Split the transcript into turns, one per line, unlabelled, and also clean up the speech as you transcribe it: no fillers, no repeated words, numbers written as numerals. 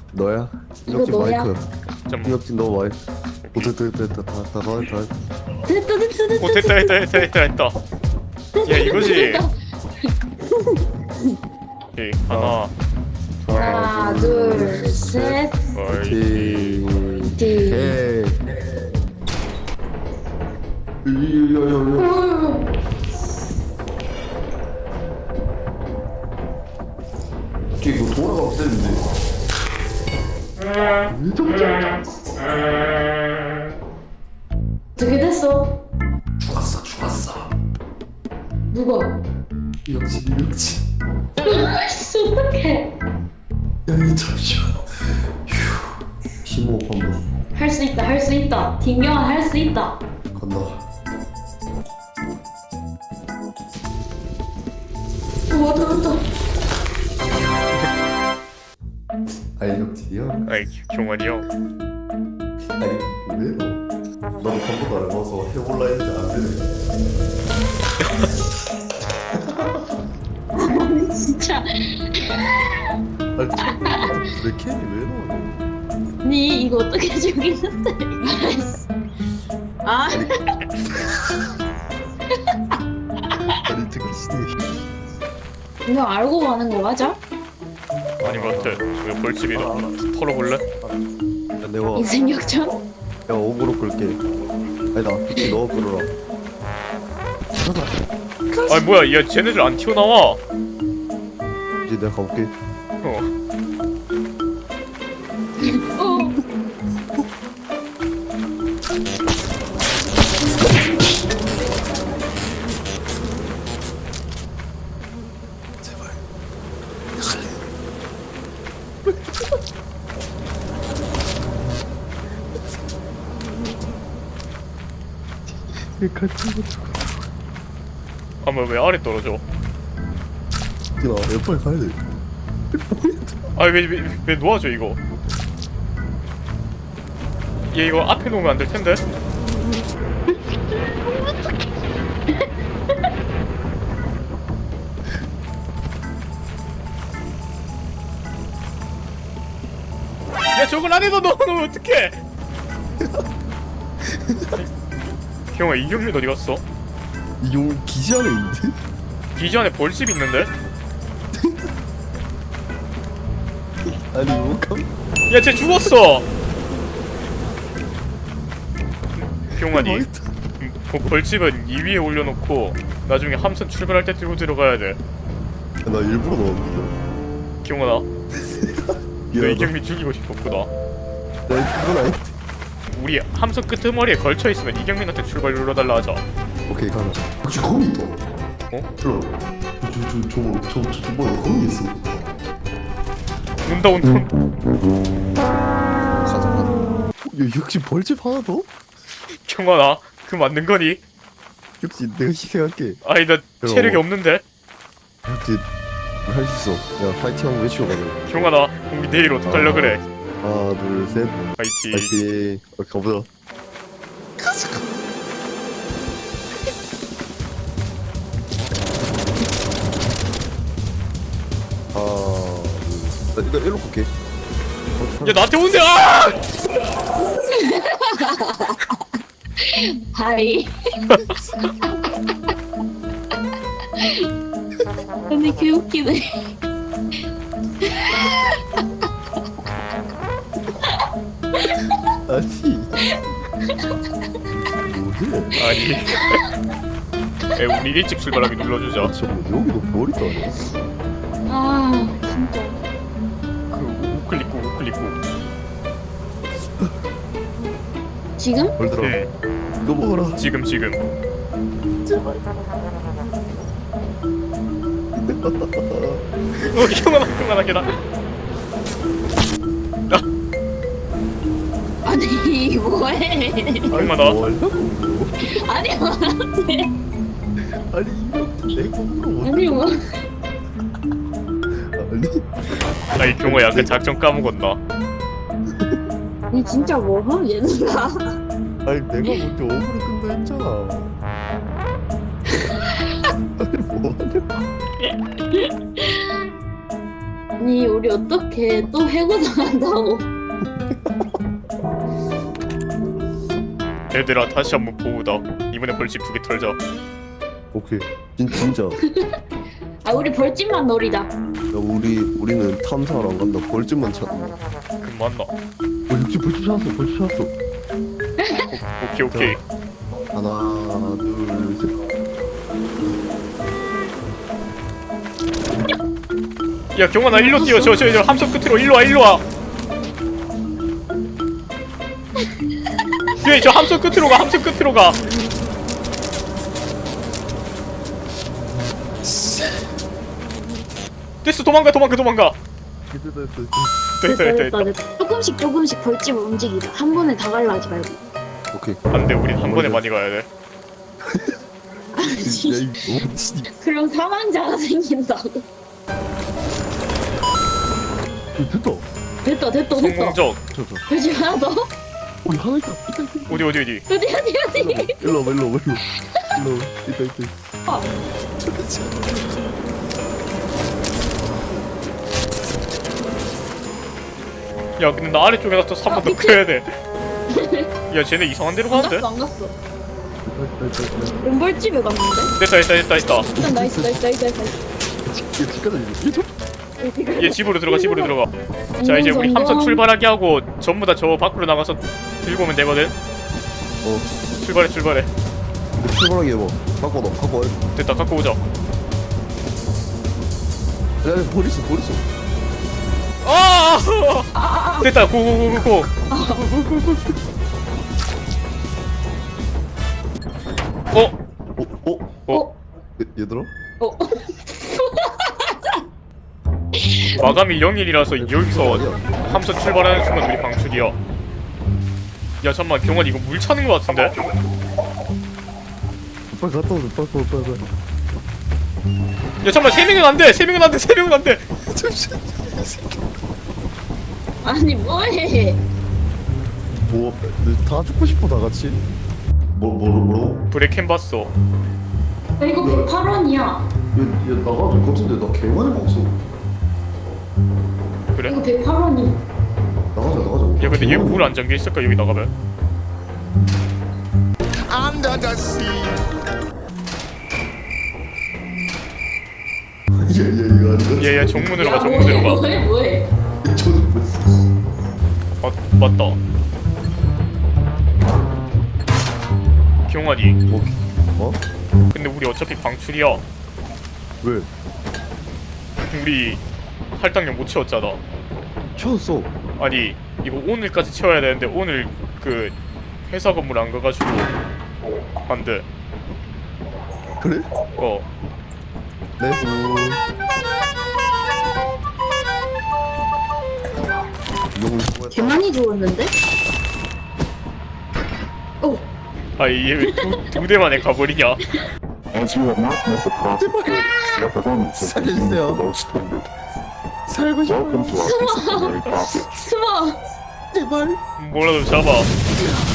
너야?
이거
이혁진
너야?
마이크.
잠깐만.
이혁진 너 마이크. 오 됐다 다
됐다 됐다 됐다.
오 됐다. 야 이거지. 오케이 하나.
하나 둘셋
어이.
티. 야야야야. 이거 돌아가면 되는데.
어떻게 됐어?
죽었어.
누가?
이혁진.
아이씨 어떡해.
야 잠시만. 휴. 심호흡 한번
할 수 있다 할 수 있다. 김경아 할 수 있다.
간다.
왔다.
아니 이혁진이야?
아이 경환이 형.
아니 왜 너? 나도 한 번도 안 해봐서 해볼라 했는데 안 되네.
아니 진짜.
아니 내 캔이 왜 나오냐?
니 이거 어떻게 죽이는데? 아
아니 듣기 싫어.
이거 알고 가는 거 맞아?
아니 맞대. 왜 벌집이다. 털어볼래?
야 내가
인생 역전?
야 어그로 끌게. 아니 나 특히 너 끌어라.
아니 뭐야 야 쟤네들 안 튀어나와.
이제 내가 가볼게.
어.
어.
제발. 얘 같이 가지고.
아마 왜 아래 떨어져?
야 빨리 가야 돼.
아니 왜 놓아줘 이거? 얘 이거 앞에 놓으면 안 될 텐데. 야 저걸 안에다 넣어놓으면 어떡해? 형아 이경민 어디 갔어?
이용 기지 안에 있는데?
기지 안에 벌집 있는데?
아니 이거
야 쟤 죽었어! 경환이 벌집은 2위에 올려놓고 나중에 함선 출발할 때 들고 들어가야 돼.
나 일부러 넣었는데.
경환아 너
미안하다.
이경민 죽이고 싶었구나.
나 그건 아닌데.
우리 함선 끄트머리에 걸쳐있으면 이경민한테 출발 눌러달라 하자.
오케이 가자. 혹시 거미 있다.
어?
저 뭐야 거미 있어.
온다.
가자. 야 역시 벌집 하나 더?
경환아 그 맞는 거니?
역시 내가 희생할게.
아니 나 체력이 없는데?
역시 할 수 있어. 야 파이팅 한번 외치고 가자.
경환아 우리 내일 어떡하려 그래?
하나 둘 셋.
파이팅.
파이팅. 가보자. 나 이거 일로 갈게.
야 나한테 온대! 아!
하이. 근데 개 웃기네.
아니. 뭐해?
아니 에 우리 일찍 출발하게 눌러주자.
저 여기도 머리 따네.
아 진짜.
그 우클릭 꾹.
지금?
뭘 들어?
응
이거 먹어라.
지금
제발.
경환아 계단.
아니 뭐해?
얼마나?
뭐 하려고?
아니 뭐해?
아니 이거 내 몸으로 못.
아니 뭐?
아니.
아니 경호야 그 작전 까먹었나?
니 진짜 뭐함 얘들아?
아니 내가 먼저 어그로 끈다 했잖아. 아니 뭐 하려고?
아니 우리 어떻게 또 해고 당한다고?
얘들아 다시 한번 보우다. 이번에 벌집 2개 털자.
오케이. 진짜. 야,
아 우리 벌집만 노리자.
우리는 탐사를 안 간다. 벌집만 찾.
그 맞나?
벌집 찾았어. 벌집 찾았어.
오케이.
하나, 둘, 셋.
야 경환아 일로 뛰어. 저 함선 끝으로 일로 와. 예, 저 함선 끝으로 가. 됐어, 도망가. 됐다.
조금씩 벌집을 움직이자. 한 번에 다 갈라 하지 말고.
오케이.
안돼, 우린 한 번에 많이 가야 돼.
야, 이거 진짜.
그럼 사망자가 생긴다고. 됐다.
성공적.
벌집 하나 더?
우리 하나 있다.
어디?
어디?
일로 와. 있다.
아.
야 근데 나 아래쪽에다 또 3번 더
미친.
켜야 돼. 야 쟤네 이상한 데로
안
가는데?
갔어. 은벌집에 갔는데?
됐다.
일단 나이스.
얘 집으로 들어가. 자 이제 우리 함선 출발하게 하고 전부 다 저 밖으로 나가서 들고 오면 되거든. 출발해.
출발하게 해봐. 갖고 와.
됐다, 갖고 오자.
야, 버리소.
아! 됐다, 고고고고고.
얘들아?
마감이 0일이라서 여기서 함선 출발하는 순간 우리 방출이야. 야 잠만, 경환 이거 물 차는 거 같은데?
빨리 갔다 오자. 빨리.
야 잠만, 3명은 안 돼.
아니 뭐해?
뭐, 다 죽고 싶어, 다 같이? 뭐라고?
브레 캔봤어.
야, 이거 108원이야.
얘 나가도 될 것 같은데, 나 개많이 먹었어.
그래?
이거 108원이.
나가자.
야 근데 얘 물 안 잠겨 있을까, 여기 나가면?
Under the sea.
이거 아니야?
얘 정문으로 가.
뭐해?
저는 뭐
맞다. 경환이,
어?
근데 우리 어차피 방출이야.
왜?
우리 할당량 못 채웠잖아.
채웠어.
아니 이거 오늘까지 채워야 되는데 오늘 그 회사 건물 안 가가지고 안 돼.
그래? 네.
개 많이 죽었는데? 오.
아니 얘 왜 두 대만에 가버리냐?
As you have not met the profit your performance has been
살려주세요.
below standard.
살고 싶어.
Welcome to our disciplinary process.
숨어.
제발.
뭐라도 잡아.